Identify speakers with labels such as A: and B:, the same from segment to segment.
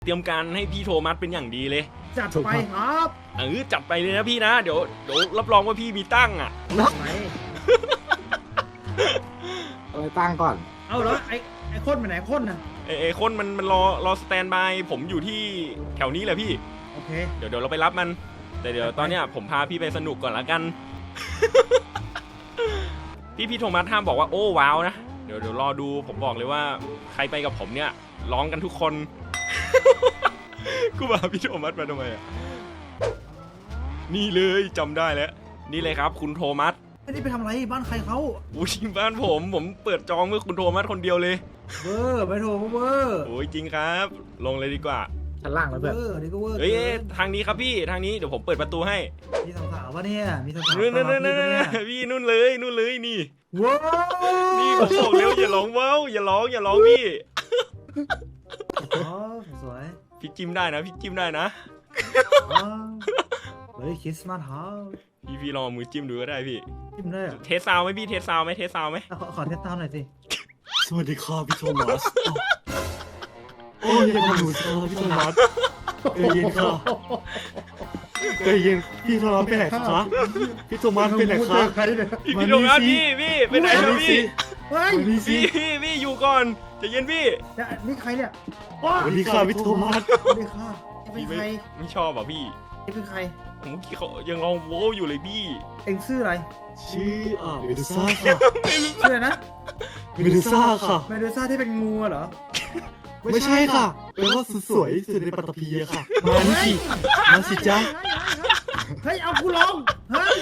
A: เตรียมการให้พี่โทมัสเป็นอย่างดีเลย
B: จัดไปครับ
A: จัดไปเลยนะพี่นะเดี๋ยวรับรองว่าพี่มีตั้งอ่ะ
C: อะไรตั้งก่อน
B: เอาแล้วไอ้คนไปไหนคนน่ะ
A: ไอ้คนมันรอสแตนบายผมอยู่ที่แถวนี้แหละพี่
B: โอเค
A: เดี๋ยวเราไปรับมันแต่เดี๋ยวตอนเนี้ยผมพาพี่ไปสนุกก่อนละกัน พี่โทมัสห้ามบอกว่าโอ้ว้าวนะเดี๋ยวรอดูผมบอกเลยว่าใครไปกับผมเนี่ยร้องกันทุกคน กูบอกพี่โทมัสมาทำไมอ่ะนี่เลยจำได้แล้วนี่เลยครับคุณโทมัส
B: ไม่ได้ไปทำอะไรบ้านใครเขา
A: อุ้ยบ้านผมเปิดจองเมื่อคุณโทมัสคนเดียวเลย
B: เวอร์ไปโทเวอร์
A: โอ้ยจริงครับลงเลยดีกว่า
C: ชั้นล่างแล้วเพื่อน
B: นี่ก็เวอร์
A: เฮ้ยทางนี้ครับพี่ทางนี้เดี๋ยวผมเปิดประตูให้
B: มีสาวๆวะเนี่ยมีสาวๆ
A: พี่นู่นเลยนี่
B: ว้าว
A: นี่ผมบอกแล้วอย่าร้องว้าวอย่าร้องพี่
B: อ๋อสวย
A: พี่จิ้มได้นะพี่จิ้มได้นะ
B: เฮ้ยคริสต์มาสฮะ
A: พี่ลองมือจิ้มดูก็ได้พี่
B: จิ้มได้
A: เทสซาวไหมพี่เทสซาวไหม
B: ขอเทสซาวหน่อยสิ
C: สวัสดีครับพี่โทมัสโอ้ยยังมาดูพี่โทมัสเย็นค่ะเย็นพี่โทมัสไปไหนคะพี่โทมัสไปไหนคะ
A: พี่โทมัสพี่ไปไหนครับพี่
B: เฮ้ย
A: พี่อยู่ก่อนจะเย็นพี่
B: นี่ใครเนี่ย
C: สวัสดีค่ะพี่โทมัส
B: สวัสดีค่ะเป็นใคร
A: ไม่ชอบอ่ะพี่
B: เป็นใคร
A: ผมเขายังลองโว้อยู่เลยพี่
B: เอ็งชื่ออะไร
C: ชื่อเมดูซ่าค่ะ
B: ชื่อนะ
C: เมดูซ่าค่ะ
B: เมดูซ่าที่เป็นงูเหรอ
C: ไม่ใช่ค่ะเป็นว่าสวยสุดในปัตตภีค่ะมาสิจ๊ะ
B: เฮ้ยเอากูลองเฮ้ย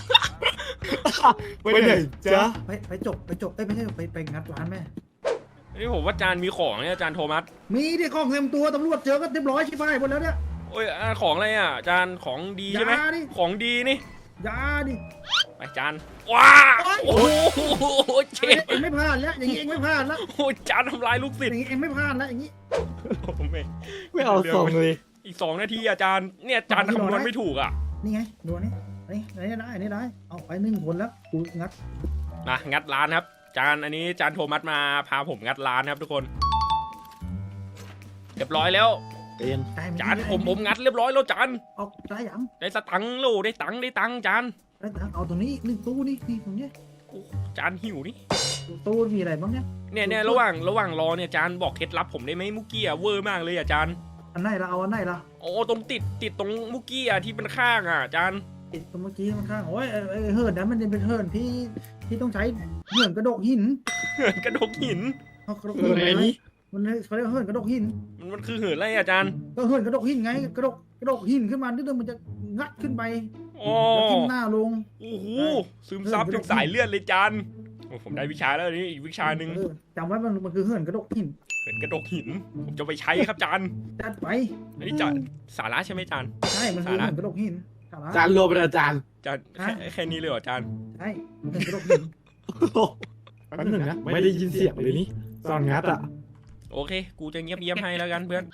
C: ไปไหนจ๊ะ
B: ไปจบไม่ใช่ไปงัดร้านแม่
A: นี่ผมว่าจานมีของเนี่ยจานโทมัส
B: มีดิของเต็มตัวตำรวจเจอก็เรียบร้อยชิบหายหมดแล้วเนี่ย
A: โอ้ยของอะไรอ่ะจานของดีใช่ไหมของดีนี่
B: ยาดิ
A: ไปจานว้าโอ้โหเจ็บ
B: เอ็งไม่พลาดแล้วอย่างนี้เอ็งไม่พลาดแล้ว
A: โอ้จานทำลายลูกศิษย์
B: อย่างนี้เอ็งไม่พลาดแล้วอย่างนี้
C: ไม่เอาส่งเลย
A: อีก2 นาทีอาจารย์เนี่ยจานคำนวณไม่ถูกอ่ะ
B: นี่ไงดูนี่ได้เอาไป1 คนแล้วกูงัด
A: งัดร้านครับจานอันนี้จานโทมัสมาพาผมงัดร้านครับทุกคนเรียบร้อยแล้วจานผมงัดเรียบร้อยแล้วจาน
B: ออกได้ยัง
A: ได้สตังค์โลได้ตังค์จาน
B: ได้ตังค์เอาตรงนี้1 ตู้นี่ตรงนี้
A: จานหิวนี่
B: ตู้มีอะไรบ้าง
A: เนี่ยระหว่างรอเนี่ยจานบอกเคล็ดลับผมได้ไหมมุกกี้เวอร์มากเลยอาจารย์
B: อันไหนละเอาอันไหนละ
A: โอ้ตรงติดตรงมุกกี้ที่เป็นข้างอาจารย์
B: ติดตรงเมื่อกี้ข้างโอ้ยเหินนั้นมันเป็นเหินที่ต้องใช้เหินกระดกหิน
A: เขากระดกหิน
B: มันเขาเรียกเหินกระดกหิน
A: มันคือเหินอะไรอาจารย์
B: ก็เหินกระดกหินไงกระดกหินขึ้นมานิดนึงมันจะงัดขึ้นไปแล้วทิ่มหน้าลง
A: โอ้โหซึมซับจนสายเลือดเลยจานผมได้วิชาแล้วนี่อีกวิชาหนึ่ง
B: จำไว้มันคือเหินกระดกหิน
A: ผมจะไปใช้ครับจาน
B: จัดไป
A: อันนี้จานสาระใช่ไหมจาน
B: ใช่มันคือเหินกระดกหิน
C: จานรวมเป็นอาจารย์
A: แค่นี้เลยเหรอจาน
B: ใช่เหินกระดกหิน
C: แป๊บนึงนะไม่ได้ยินเสียงเลยนี่ตอนงัดอ่ะ
A: โอเคกูจะเงียบให้แล้วกันเพื่อน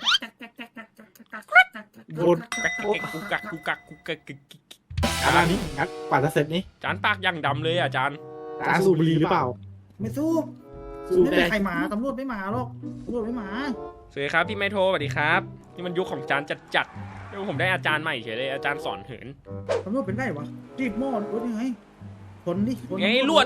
C: โดน
A: กูกัก
C: อันนี้งัดกว่าจะเสร็จนี่
A: จานปากยังดำเลยอ่ะจาน
C: สูบบุหรี่หรือเปล่า
B: ไม่สูบไม่ได้ใครมาตำรวจไม่มาหรอกตำรวจไม่มา
A: สวัสดีครับพี่ไมโทรสวัสดีครับนี่มันยุคของจานจัดผมได้อาจารย์ใหม่เฉยเลยอาจารย์สอนเหิน
B: ตำรวจเป็นได้วะจีบหม้อรถยังไงคนดิ
A: ไงลวด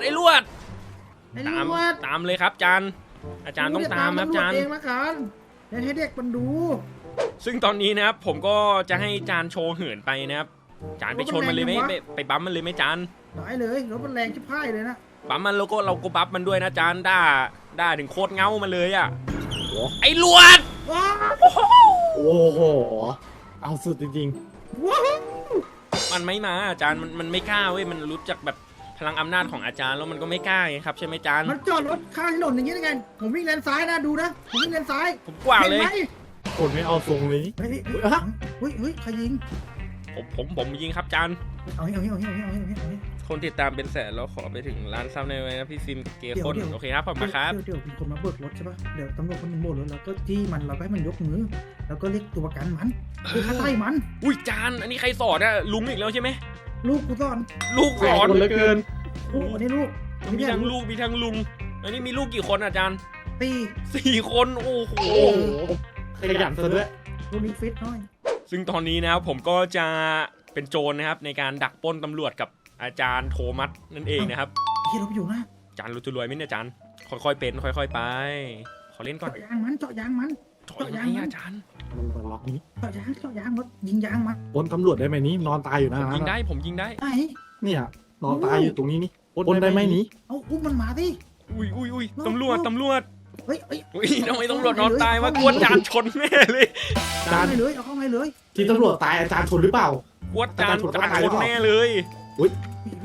A: ตามเลยครับอาจารย์ต้องตามครับอาจารย์
B: เองละกันให้เด็กมันดู
A: ซึ่งตอนนี้นะครับผมก็จะให้จานโชว์เหินไปนะครับจานไปชนมันเลยไหมไปบั๊มมันเลยไหมจาน
B: ได้เลยรถมันแรงชิบหายเลยนะ
A: บั๊มมันแล้วก็เราก็บั๊มมันด้วยนะจานด่าถึงโคตรเงามาเลยอ่ะไอ้ลวด
C: โอ้โหเอาสุดจริง
A: ๆมันไม่มาอาจารย์มันไม่กล้าเว้ยมันรู้จักแบบพลังอำนาจของอาจารย์แล้วมันก็ไม่กล้าไงครับใช่ไหมจาน
B: มันจอดรถข้างถนนอย่างนี้ได้ไงผมวิ่งเลนซ้ายนะดูนะผมวิ่งเลนซ้าย
A: ผมกว่าเลย
C: คนไม่เอาทรงเลย
B: เฮ้ยใครยิง
A: ผมยิงครับจาน
B: เอา
A: คนติดตามเป็นแสนแล้วขอไปถึงล้านซับในวันนะพี่ฟิล์มเกย์คนโอเคครับผมมาครับ
B: เดี๋ยวมีคนมาเบิกรถใช่ปะเดี๋ยวตำรวจคนนึงโบกรถแล้วก็จี้มันเราก็ให้มันยกมือแล้วก็เรียกตัวประกันมันคือฆ่าไล่มัน
A: อุ้ยจานอันนี้ใครสอนอะลุงอีกแล้วใช่ไหม
B: ลูกกูสอน
C: เหลือเกิน
B: โอ้อันนี้ลูก
A: มีทั้งลูกมีทั้งลุงอันนี้มีลูกกี่คนอาจารย์
B: 4
A: คนโอ้โห
C: ขยันซะด้วย
B: พวกนี้ฟิตหน่อย
A: ซึ่งตอนนี้นะครับผมก็จะเป็นโจรนะครับในการดักปล้นตำรวจกับอาจารย์โทมัสนั่นเองนะครับ
B: เฮียเราไปอยู่นะ
A: อาจารย์รู้จะรวยไหมเนี่ยอาจารย์ค่อยๆเป็นค่อยๆไปขอเล่นก่อน
B: เจาะยางมันเจาะยางมัน
A: ถอยยังไงอาจารย์
C: มันล็อกนี้
B: เจาะยางรถยิงยางมัน
C: ปนตำรวจได้ไหมนี้นอนตายอยู่นะ
A: ผมยิงได้ผมยิงได้
B: ไอ้
C: เนี่ยนอนตายอยู่ตรงนี้นี่ปนได้ไหมนี้
B: เอาอุ้มมันมาดิ
A: อุ้ยตำรวจ
B: เฮ้ย
A: อุ้ยทำไมตำรวจนอนตายวะกลัวอาจารย์ชนแม่เลย
B: เอาเข้าไปเลยเอาเข้าไปเลย
C: ที่ตำรวจตายอาจารย์ชนหรือเปล่าก
A: ลัวอาจารย์ชนแน่เลย
B: เฮ้ย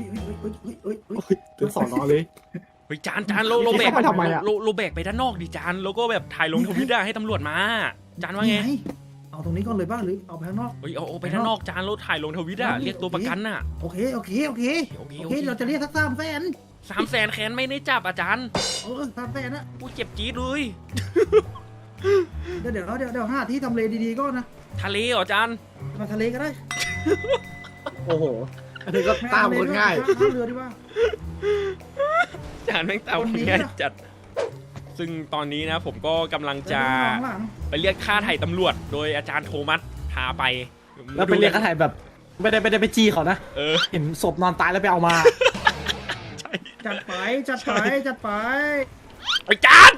C: ถึงสอนอเลย
A: เฮ้ยจานโลแบก
C: เข้าไปทำไมอะ
A: โลแบกไปด้านนอกดิจานแล้วก็แบบถ่ายลงทวิตให้ตำรวจมาจานว่าไง
B: เอาตรงนี้ก่อนเลยบ้างหรือเอาไปข้างนอก
A: เฮ้ยเอาไปด้านนอกจานแล้วถ่ายลงทวิตเรียกตัวประกันน่ะ
B: โอเคเราจะเรียกสัก300,000
A: 300,000แคนไม่ได้จับอาจารย์
B: 300,000นะ
A: กูเจ็บจี๊ดเลย
B: เดี๋ยวหาที่ทำเลดีๆก็นะ
A: ทะเลเหรออาจารย์
B: มาทะเลก็ได้
C: โอ้โหอันนี้ก็ตามคนง่าย
B: ข้ามเรือดีกว่า
A: จานแม่งตามง่ายจัดซึ่งตอนนี้นะผมก็กำลังจะไปเรียกค่าไถ่ตำรวจโดยอาจารย์โทมัสพาไป
C: แล้วไปเรียกกระถ่ายแบบไม่ได้ไปจี้เขานะ เห็นศพนอนตายแล้วไปเอามา
B: จัดไป
A: ไอ้จาน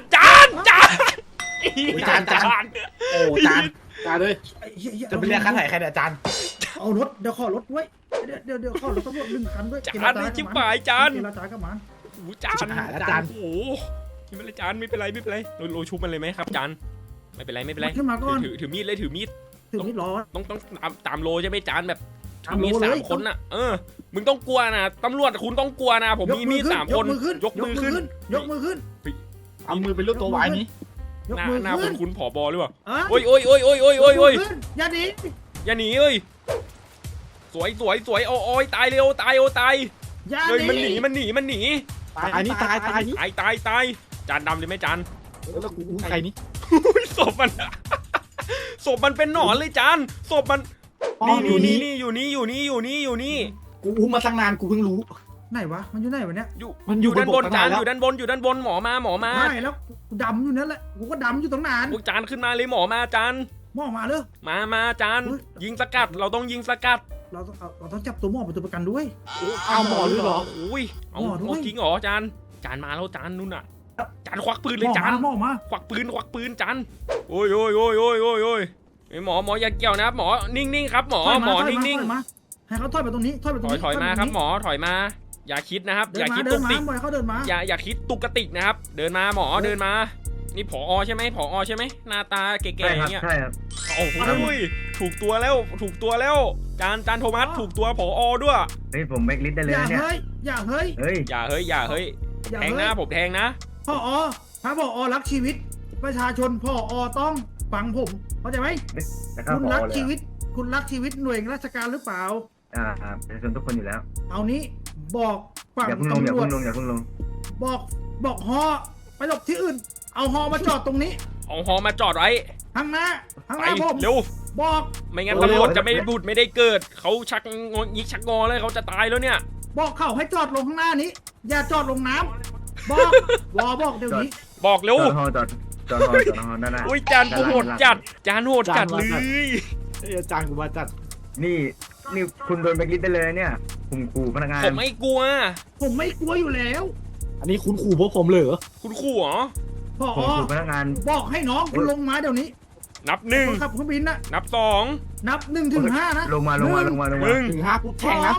C: โอ้จานเลยจะไปเรียกค่าถ่ายใครเนี่ยอาจารย์
B: เอารถเดี๋ยวขอรถด้วยเดี๋ยวขอรถตำรวจ1 คันด้วย
A: จานนี่จิ๊บป่ายจาน
B: เจรจากับมัน
A: โอ้จานโอ้โหกินไปเลยจานไม่เป็นไรโรชุบมันเลยไหมครับจานไม่เป็นไร
B: ขึ้นมาก่อน
A: ถือมีดเลยถือมีด
B: ถึงนี่รอ
A: ต้องตามโลใช่ไหมจานแบบ
B: ตามโล
A: มี
B: เลย
A: 3 คนน่ะมึงต้องกลัวนะตำรวจคุณต้องกลัวนะผมมีมีด3 คนยกมือขึ้น
C: เอามือเป็นรูปตัววายนี้
A: หน้าคุณผอบอหรือเปล่า
B: โอ้
A: โอ้ย
B: อย่าหนี
A: อย่าหนีเอ้ยสวยโอ้ยตายเร็วตาย
B: อย่า
A: เฮ้ย
B: ห
A: มันห
B: นี
A: นี
C: ตายนี่ตายนี่
A: ตายจานดำเลยไหมจาน
C: แล้วกูใครนี่
A: ศพมันเป็นหนอนเลยจานศพมันนี่อยู่นี่
C: กูอุ้มมาตั้งนานกูเพิ่งรู้
B: ไหนวะมันอยู่ไหนวะเนี่ย
C: มันอยู่
A: ด้านบน
C: บน
A: จาน
C: แล้ว
A: อยู่ด้านบนหมอมา
B: ไม่แล้วกูดำอยู่นั่นแหละกูก็ดำอยู่ตั้งนาน
A: พวกจานขึ้นมาเลยหมอมาจาน
B: หม้อมาเลย
A: มาจานยิงสกัดเราต้องยิงสกัด
B: เราต้องจับตัวหม้อเป็นตัวประกันด้วย
C: เอาหมอหรือเหรอ
A: โอ้ยเอา
B: หมอด้วย
A: จริงเหรอจานมาแล้วจานนู่นน่ะจานควักปืนเลยจาน
B: หม้อมา
A: ควักปืนจานโอ้ยไอหมออย่าเกี่ยวนะครับหมอนิ่งๆครับหมอนิ่ง
B: ให้เขาถอยไปตรงนี้ถอยไปตรงนี้
A: ถอยมาครับหมอถอยมา อย่าคิดนะครับ อย่าคิดตุกติก
B: เขาเดินมา
A: อย่าคิดตุกติกนะครับ เดินมาหมอเดินมา นี่ผอใช่ไหมหน้าตาแก่ๆอย่างเงี้ย
D: ใช่ครับ
A: โอ้โหถูกตัวแล้วจานโทมัสถูกตัวผอด้วย
D: เฮ้ยผมแบกลิสต์ได้เลย
B: อย่า
D: นะเนี่ย
B: อย่าเฮ้ย
D: เฮ้ย
A: อย่าเฮ้ยแทงนะผมแทงนะ
B: พ่อถ้าพ่อรักชีวิต ประชาชนพ่อต้องฟังผมเข้าใจไหม
D: จะเข้า
B: คุณ
D: พ
B: รั
D: อก เลย
B: ชีวิต คุณรักชีวิตหน่วยราชการหรือเปล่า
D: ประชาชนทุกคนอยู่แล้ว
B: เอานี้บอกฝั่ง
D: อย่าเพิ่งลง
B: ตำรวจ บอกฮอไปหลบที่อื่น เอาฮอมาจอดตรงนี้
A: เอาฮอมาจอดไว้
B: ข้างหน้า
A: ไป
B: ผม
A: เร็ว
B: บอก
A: ไม่งั้นตำรวจจะไม่ได้บุดไม่ได้เกิดเขาชักยิกชักงอเลยเขาจะตายแล้วเนี่ย
B: บอกเขาให้จอดลงข้างหน้านี้ อย่าจอดลงน้ำบอกเดี๋ยวนี้
A: บอกเร็ว
D: จอดฮอด้านหน้า
A: อุ้ยจานกูโหดจัดจานโหดจัดเลย
C: อาจารย์กูมาจัด
D: นี่คุณโดนแบกลิสต์ได้เลยเนี่ยผมขู่พนักงาน
A: ผมไม่กลัว
B: ผมไม่กลัวอยู่แล้ว
C: อันนี้คุณขู่พวกผมเลยเหรอ
A: คุณขู่เหรอ
B: พ่อ
D: ผมขู่พนักงาน
B: บอกให้น้องคุณลงมาเดี๋ยวนี้
A: นับ
B: ขับเครื่องบินนะ
A: 1 นับ
B: นับ1 ถึง 5นะ
D: ลงมา
A: 1
C: ถึง5ปุ๊บแทงนะ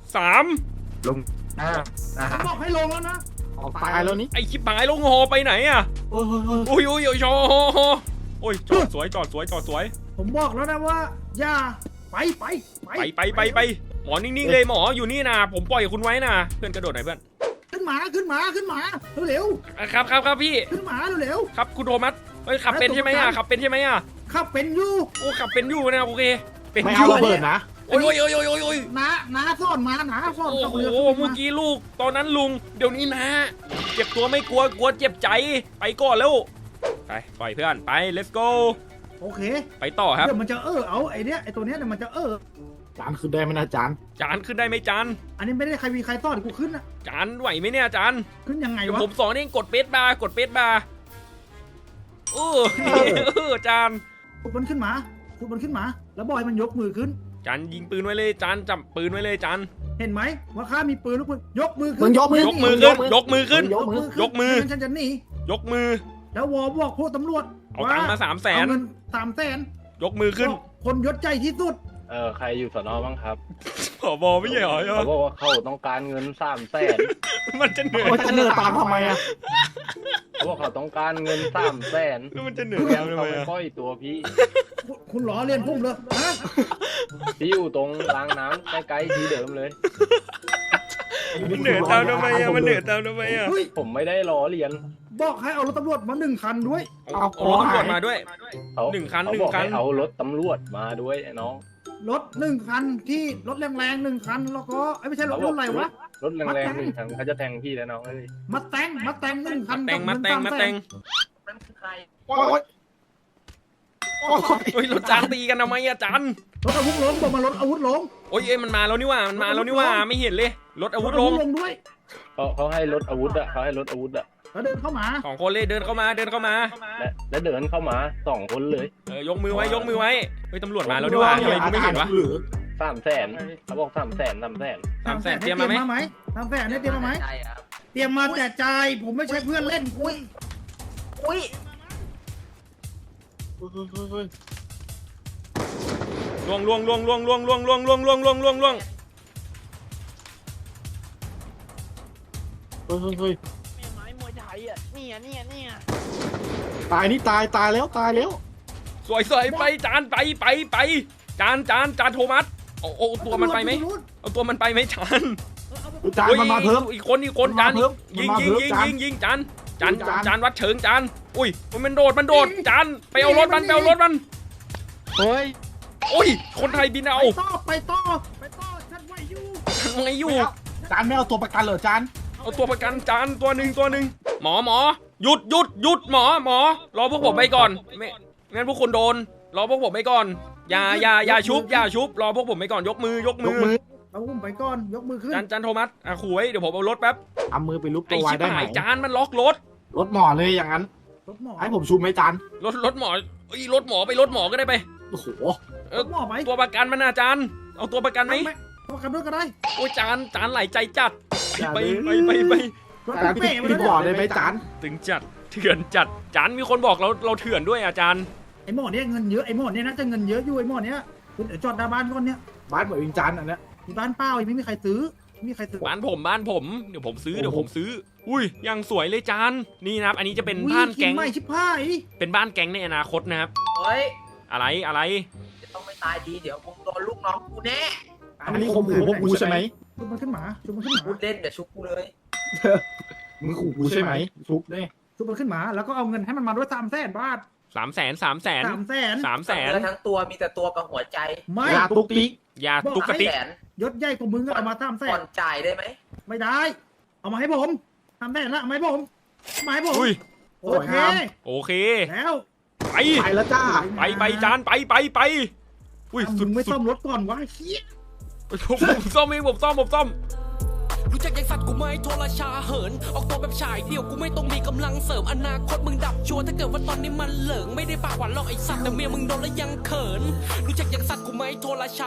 A: 3
D: ลง
B: ผมบอกให้ลงแล้วนะ
C: ออกตายแล้วนี่
A: ไอชิบหายลงหอไปไหนอะ
C: โอ้ย
A: โอ้ยชอโอ้ยจอดสวย
B: ผมบอกแล้วนะว่า อย่าไป
A: ไปหมอนิ่งๆเลยหมออยู่นี่นะผมปล่อยคุณไว้นะเพื่อนกระโดดหน่อยเพื่อน
B: ขึ้นมาเร็ว
A: ครับพี่
B: ขึ้นมาเร็ว
A: ครับคุณโทมัสเฮ้ยขับเป็นใช่ไหมอะ
B: ขับเป็นอยู่
A: โอ้ขับเป็นอยู่นะโอเคเป็น
C: ไม่
A: อ
C: เอา
A: ยู่
C: ระเบิดนะ
A: โอ้ย
B: น้าซ่อนมาน้าซ่อน
A: โอ้
B: กับ
A: โห
B: เรือ
A: เมื่อกี้ลูกตอนนั้นลุงเดี๋ยวนี้นะเจ็บตัวไม่กลัวเจ็บใจไปก่อนแล้วไปปล่อยเพื่อนไป let's go
B: โอเค
A: ไปต่อครับ
B: เดี๋ยวมันจะเอาไอ้ตัวเนี้ยมันจะ
C: จานคือได้ไหมนะจาน
A: จานขึ้นได้ไหมจาน
B: อันนี้ไม่ได้ใครมีใครซ่อนกูขึ้นนะ
A: จานไหวไหมเนี่ยจาน
B: ขึ้นยังไง
A: เดี๋ยว
B: วะ
A: ผมสอนเองกดเบสบาร์จาน
B: ขุดมันขึ้นมาแล้วบอกให้มันยกมือขึ้น
A: จานยิงปืนไว้เลยจานจับปืนไว้เลยจาน
B: เห็นไหมว่าข้ามีปืนลูกปืนยกมือ
C: มึ
B: ขึ้
C: ง
B: น
C: ยกมือย
A: กมือขึ้นยกมือขึ้น
C: ยกมือ
A: ยกมือ
B: ไงั้นฉันจะหนี
A: ยกมือ
B: แล้ววอบอกพวกตำรวจ
A: เอาตังค์มา300,000
B: เอาเงิน300,000
A: ยกมือขึ้น
B: คนยศใจที่สุด
E: ใครอยู่สนบ้างครับ
A: ผบไม่ใช่เหรอ
E: เขาบอกว่าเขาต้องการเงิน300,000
A: มันจะเหนื่อย
C: โอ้ยจะเนินตามทำไมอ่ะ
E: เขาบอกเขาต้องการเงิน300,000
A: แล้วมันจะเหนื่อย
E: แล้
A: ทำ
E: เขา
A: ไม
E: ไป
A: อะ
E: ปล่อยตัวพี่
B: คุณล้อเลียนพุ่มเลยฮะ
E: พี่อยู่ตรงรางน้ำใกล้ๆที่เดิมเลย
A: มันเหนื่อยตามทำไมอะมันเหนื่อยตามทำไมอะ
B: เฮ้ย
E: ผมไม่ได้ล้อเลียน
B: บอกให้เอารถตำรวจมา1 คันด้วย
A: เอารถตำรวจมาด้วย
E: เขา
A: หนึ่งคัน
E: เขา
A: หนึ่ง
E: บอก
A: คัน
E: ให้เอารถตำรวจมาด้วยไอ้น้อง
B: รถ1 คันที่รถแรงๆ1 คันแล้วก็ไม่ใช่รถรุ่นอะไรวะ
E: รถแรงๆ1 คันเขาจะแทงพี่แล้วน้องเอ้ย
B: มาแต่ง1 คัน
A: มาแต่ง
C: โอ้ยโอ้ย
A: โอ้ยรถจานตีกันทำไมอะจาน
B: รถอาวุธล้มบอกมารถอาวุธล้ม
A: โอ้ยมันมาแล้วนี่ว่ามันมาแล้วนี่ว่าไม่เห็นเลยรถอาวุธลง
B: ด้วย
E: เขาให้รถอาวุธอะเขาให้รถอาวุธอะ
B: แล้วเดินเข้ามา
A: 2 คนเลยเดินเข้ามา
E: และเดินเข้ามา2 คนเลย
A: ยกมือไว้เฮ้ยตำรวจมาแล้วนี่ว่าทำไมกูไม่เห็นวะ
E: 300,000เขาบอก300,000
A: 300,000เตรียมมาไหม
B: 300,000เนี่ยเตรียมมาไหมเตรียมมาแต่ใจผมไม่ใช่เพื่อนเล่นอุ้ย
A: ล่วงเฮ้ย
C: ไม้มวยไทยอ่ะตายนี่ตายแล้ว
A: สวยไปจานไปจานโทมัสโอ้ตัวมันไปไหมเอาตัวมันไปไหมจาน
C: จานมันมาเพิ่ม
A: อีกคนจานยิงจานวัดเฉิงจานอุ้ยมันโดดจานไปเอารถมัน
C: เฮ้ย
A: โอ้ยคนไทยบินเอา
B: ไปต่อฉันไหวอยู่
A: ไงอยู่
C: จานไม่เอาตัวประกันเหรอจาน
A: เอาตัวประกันจานตัวหนึ่งหมอหยุดหมอรอพวกผมไปก่อนไม่งั้นพวกคุณโดนรอพวกผมไปก่อนอย่าชุบรอพวกผมไปก่อนยกมือ
B: เอาอุ้มไปก่อนยกมือขึ้น
A: จานโทมัสขู่ไว้เดี๋ยวผมเอารถแป๊บ
C: เอามือไปลุก
A: ไอ้
C: ตัวไว้
A: ชิบ
C: ได้ไหม
A: หายจานมันล็อกรถ
C: รถหมอเลยอย่างนั้น
B: รถหมอ
C: ให้ผมชูไหมจาน
A: รถหมอรถหมอไปรถหมอก็ได้ไป
C: โอ้โห
B: รถหมอไหม
A: ตัวประกันมันอาจารย์เอาตัวประกันไหม
B: ตัวขับรถก็ได้
A: โอ้ยจานไหลใจจัดไป
B: รถ
C: จาน
B: เป๋มา
C: พี่
B: แล้ว
C: บอกได้ไหมจาน
A: ถึงจัดเถื่อนจัดจานมีคนบอกเราเถื่อนด้วยอาจารย์
B: ไอ้หมอเนี่ยเงินเยอะไอ้หมอเนี่ยน่าจะเงินเยอะอยู่ไอ้หมอเนี่ยคุณเดี๋ยวจอดหน้าบ้านก่อนเนี่ย
C: บ้านเหมือนวิงจานอันเนี้ย
B: มีบ้านเปล่าไม่มีใครซื้อ
A: บ้านผมเดี๋ยวผมซื้ออุ้ยยังสวยเลยจานนี่นะครับอันนี้จะเป็นบ้านแก๊ง
B: ไม่ชิบหาย
A: เป็นบ้านแก๊งในอนาคตนะครับ
F: เฮ้ย
A: อะไร
F: จะต้องไม่ตายดี เดี๋ยวมึงโดนลูกน้องกูแน่
C: อันนี้ข่มขู่พวกกูใช่ไหม
B: ชุบมันขึ้นมา
F: พูดเล่นเดี๋ยวชุบกูเลย
C: มึงขู่กูใช่ไหมชุบเนี่ย
B: ชุบมันขึ้นมาแล้วก็เอาเงินให้มันมาด้วย300,000 บาท
A: 300,000
B: 300,000
F: เนื้อทั้งตัวมีแต่ตัวกับหัวใจ
B: ไม่
C: ยาตุกติ๊ก
A: ยาตุกกะติก
F: แสน
B: ยศใหญ่กว่ามึงก็เอามา
F: ผ่อน
B: 300,000
F: จ่ายได้ไหม
B: ไม่ได้ เอามาให้ผม300,000ละเอามาให้ผม
A: อุ้ย
B: โอเค
A: โอเค
B: แล้ว
A: ไป
C: ไปแล้วจ้า
A: ไปจานไปอุ้ย
B: มึงไม่ซ่อมรถก่อนวะเฮีย
A: ผมซ่อมเองผมซ่อม
G: รู้จักยังสัตว์กูไหมโทรชาเหินออกตัวแบบฉายเดี่ยวกูไม่ต้องมีกำลังเสริมอนาคตมึงดับชัวร์ถ้าเกิดว่าตอนนี้มันเหลิงไม่ได้ปากหวานหรอกไอสัตว์แต่เมียมึงโดนแล้วยังเขินรู้จักยังสัตว์กูไหมโทรชา